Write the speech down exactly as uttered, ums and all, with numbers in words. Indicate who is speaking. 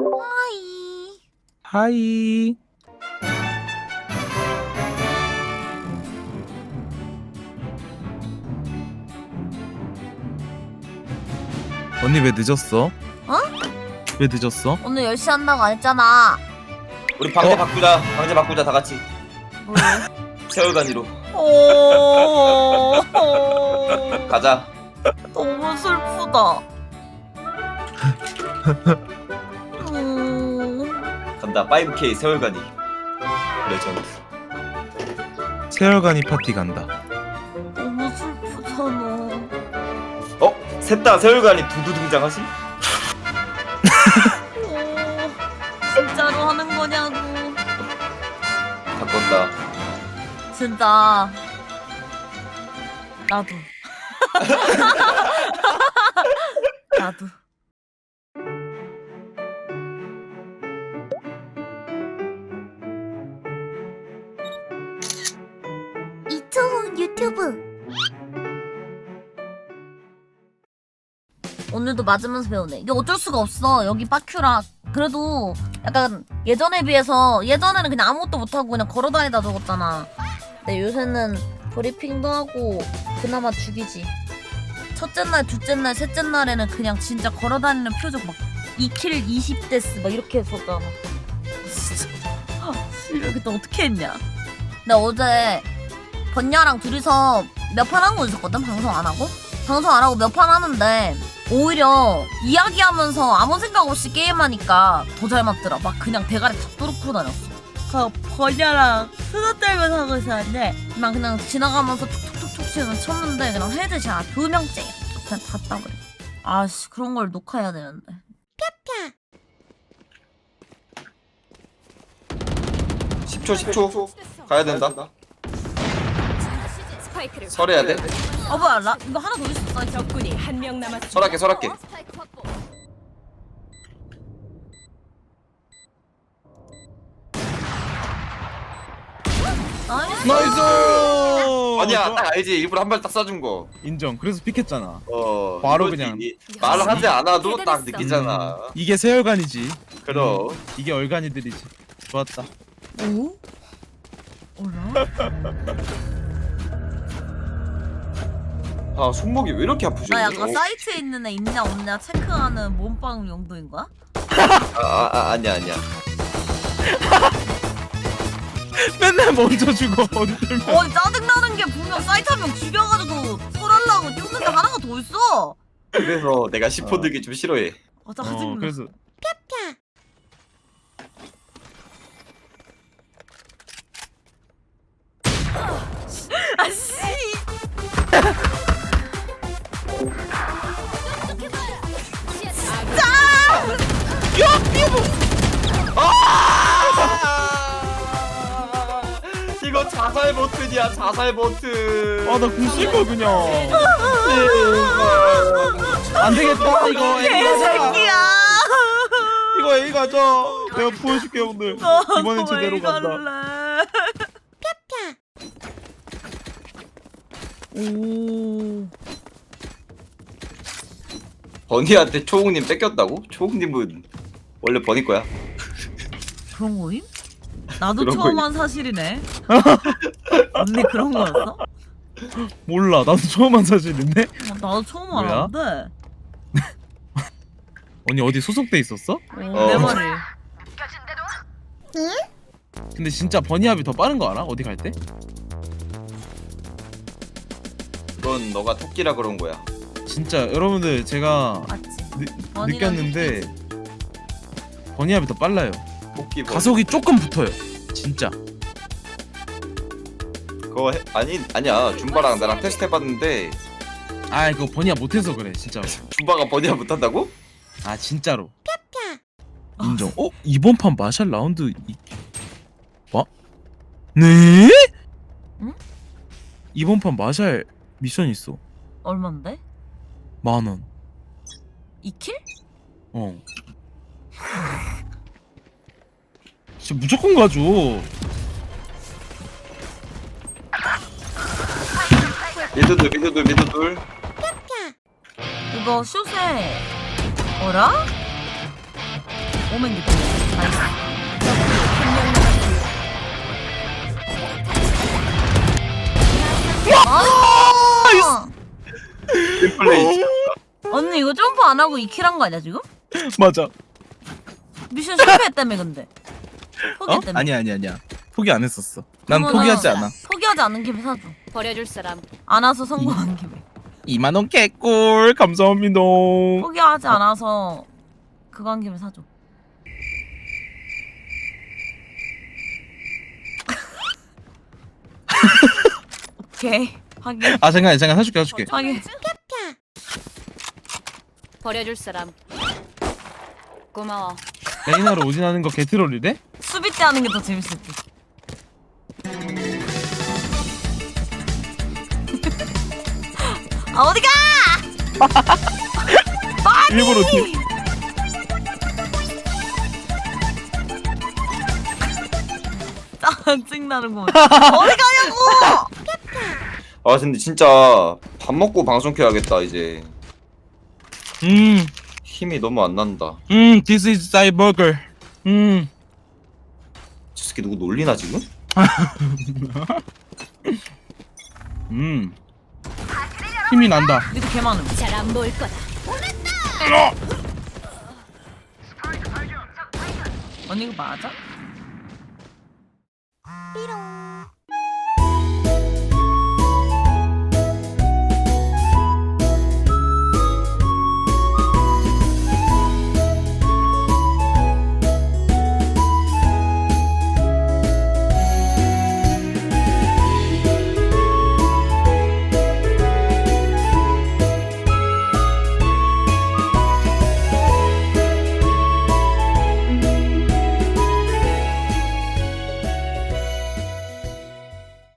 Speaker 1: 하이.
Speaker 2: 하이. 언니 왜 늦었어?
Speaker 1: 어?
Speaker 2: 왜 늦었어?
Speaker 1: 오늘 열 시 한다고 안 했잖아.
Speaker 3: 우리 방제
Speaker 2: 어?
Speaker 3: 바꾸자. 방제 바꾸자 다 같이.
Speaker 1: 뭘?
Speaker 3: 세월간이로
Speaker 1: 오.
Speaker 3: 가자.
Speaker 1: 너무 슬프다. 음.
Speaker 3: 간다. 파이브 케이 세월간이. 레전드.
Speaker 2: 세월간이 파티 간다.
Speaker 1: 너무 슬프잖아.
Speaker 3: 어? 셋 다 세월간이 두두 등장하시?
Speaker 1: 오, 진짜로 하는 거냐고.
Speaker 3: 바꾼다.
Speaker 1: 진짜. 나도. 나도. 이초훈 유튜브. 오늘도 맞으면서 배우네. 이게 어쩔 수가 없어. 여기 빠큐라. 그래도 약간 예전에 비해서 예전에는 그냥 아무것도 못하고 그냥 걸어다니다 적었잖아. 근데 요새는 브리핑도 하고 그나마 죽이지. 첫째 날, 둘째 날, 셋째 날에는 그냥 진짜 걸어다니는 표정 막 이 킬 이십 데스 막 이렇게 했었잖아. 진짜 이렇게 또 어떻게 했냐. 근데 어제 번야랑 둘이서 몇 판 하고 있었거든. 방송 안 하고 방송 안 하고 몇 판 하는데 오히려 이야기하면서 아무 생각 없이 게임하니까 더 잘 맞더라. 막 그냥 대가리 다 뚫고 다녔어. 그 번야랑 수다 떨면서 하고 있었는데 막 그냥 지나가면서 툭툭툭툭 치면 쳤는데 그냥 헤드샷 두 명째 그냥 다 따버려. 아씨 그런 걸 녹화해야 되는데.
Speaker 3: 십 초 십 초 가야 된다. 설해야 돼.
Speaker 1: 어 뭐야 라, 이거 하나 더 있었어.
Speaker 4: 적군이 한 명 남았습니다.
Speaker 3: 설할게 설할게.
Speaker 1: 나이스.
Speaker 2: 나이스.
Speaker 3: 아니야 딱 알지. 일부러 한 발 딱 쏴준 거.
Speaker 2: 인정. 그래서 픽했잖아.
Speaker 3: 어
Speaker 2: 바로
Speaker 3: 이거지.
Speaker 2: 그냥.
Speaker 3: 이- 말을 하지 않아도 딱 느끼잖아.
Speaker 2: 음, 이게 세월간이지.
Speaker 3: 그럼.
Speaker 2: 음, 이게 얼간이들이지. 좋았다.
Speaker 1: 오? 어라?
Speaker 3: 아 손목이 왜 이렇게 아프지?
Speaker 1: 나 약간
Speaker 3: 어?
Speaker 1: 사이트에 있는 애 있냐 없냐 체크하는 몸빵 용도인 거야?
Speaker 3: 아, 아, 아 아니야 아니야.
Speaker 2: 맨날 먼저 죽어. 어디 들면.
Speaker 1: 어 짜증나는 게 분명 사이트 한 명 죽여가지고 설하려고 뛰었는데 하나가 더 있어.
Speaker 3: 그래서 내가 시포 들기 좀 싫어해.
Speaker 1: 아 짜증나.
Speaker 2: 어, 그래서
Speaker 1: 아씨.
Speaker 3: 이거 자살 버튼이야 자살 버튼.
Speaker 2: 아나 궁쓸거 그냥. 안 되겠다 이거. A 가자.
Speaker 1: 개새끼야.
Speaker 2: 이거 A 가자. 내가 보여줄게 오늘. 이번엔 제대로 간다.
Speaker 1: 오.
Speaker 3: 버니한테 초홍님 뺏겼다고? 초홍님은 원래 버니 거야.
Speaker 1: 그런 거임? 나도
Speaker 3: 그런
Speaker 1: 처음
Speaker 3: 거임.
Speaker 1: 한 사실이네. 언니 그런 거였어?
Speaker 2: 몰라. 나도 처음 한 사실인데.
Speaker 1: 어, 나도 처음
Speaker 2: 뭐야?
Speaker 1: 알았는데.
Speaker 2: 언니 어디 소속돼 있었어?
Speaker 1: 어, 내
Speaker 3: 어.
Speaker 1: 말이.
Speaker 2: 근데 진짜 버니압이 더 빠른 거 알아? 어디 갈 때?
Speaker 3: 그건 너가 토끼라 그런 거야.
Speaker 2: 진짜 여러분들 제가
Speaker 1: 맞지?
Speaker 2: 느,
Speaker 1: 버니랑
Speaker 2: 느꼈는데 버니압이 더 빨라요.
Speaker 3: 토끼 버니.
Speaker 2: 가속이 조금 붙어요. 진짜.
Speaker 3: 그거 해, 아니 아니야. 줌바랑 나랑 테스트 해봤는데
Speaker 2: 아 이거 버니압 못해서 그래 진짜로.
Speaker 3: 줌바가 버니야 못한다고?
Speaker 2: 아 진짜로. 인정. 어 이번 판 마샬 라운드 이... 와? 네?
Speaker 1: 응?
Speaker 2: 이번 판 마샬 미션 있어.
Speaker 1: 얼만데?
Speaker 2: 만 원.
Speaker 1: 이 킬?
Speaker 2: 어. 진짜 무조건 가죠.
Speaker 3: 미드둘 미드둘 미드둘.
Speaker 1: 이거 슛에 어라? 오멘 깊이. 나이스. 아!
Speaker 3: 플레이.
Speaker 1: 언니 이거 점프 안 하고 이 킬 한 거 아니야 지금?
Speaker 2: 맞아.
Speaker 1: 미션 실패했다며 근데.
Speaker 2: 어?
Speaker 1: 포기했다며.
Speaker 2: 아니야 아니야 아니야. 포기 안 했었어. 난
Speaker 1: 그러면은-
Speaker 2: 포기하지 않아.
Speaker 1: 포기하지 않는 김에 사줘.
Speaker 4: 버려줄 사람.
Speaker 1: 안 와서 성공한 김에.
Speaker 2: 이만 원 개꿀 감사합니다.
Speaker 1: 포기하지 않아서 그거 한 김에 사줘. 오케이 확인.
Speaker 2: 아 잠깐 잠깐 사줄게 사줄게.
Speaker 1: 확인.
Speaker 4: 버려줄 사람. 고마워.
Speaker 2: 레이나로 오진하는 거 개트롤이래?
Speaker 1: 수비 때 하는 게 더 재밌을 듯. 아 어디가?
Speaker 2: 일부러 뒤.
Speaker 1: 짜증나는 거. 어디 가냐고?
Speaker 3: 아 근데 진짜 밥 먹고 방송 켜야겠다 이제.
Speaker 2: 음,
Speaker 3: 힘이 너무 안 난다.
Speaker 2: 음, this is cyborg. 음,
Speaker 3: 저 새끼 누구 놀리나 지금?
Speaker 2: 음, 힘이 난다.
Speaker 1: 니도 개 많음.
Speaker 4: 잘 안 보일 거다.
Speaker 1: 언니 이거 맞아?
Speaker 4: 삐롱.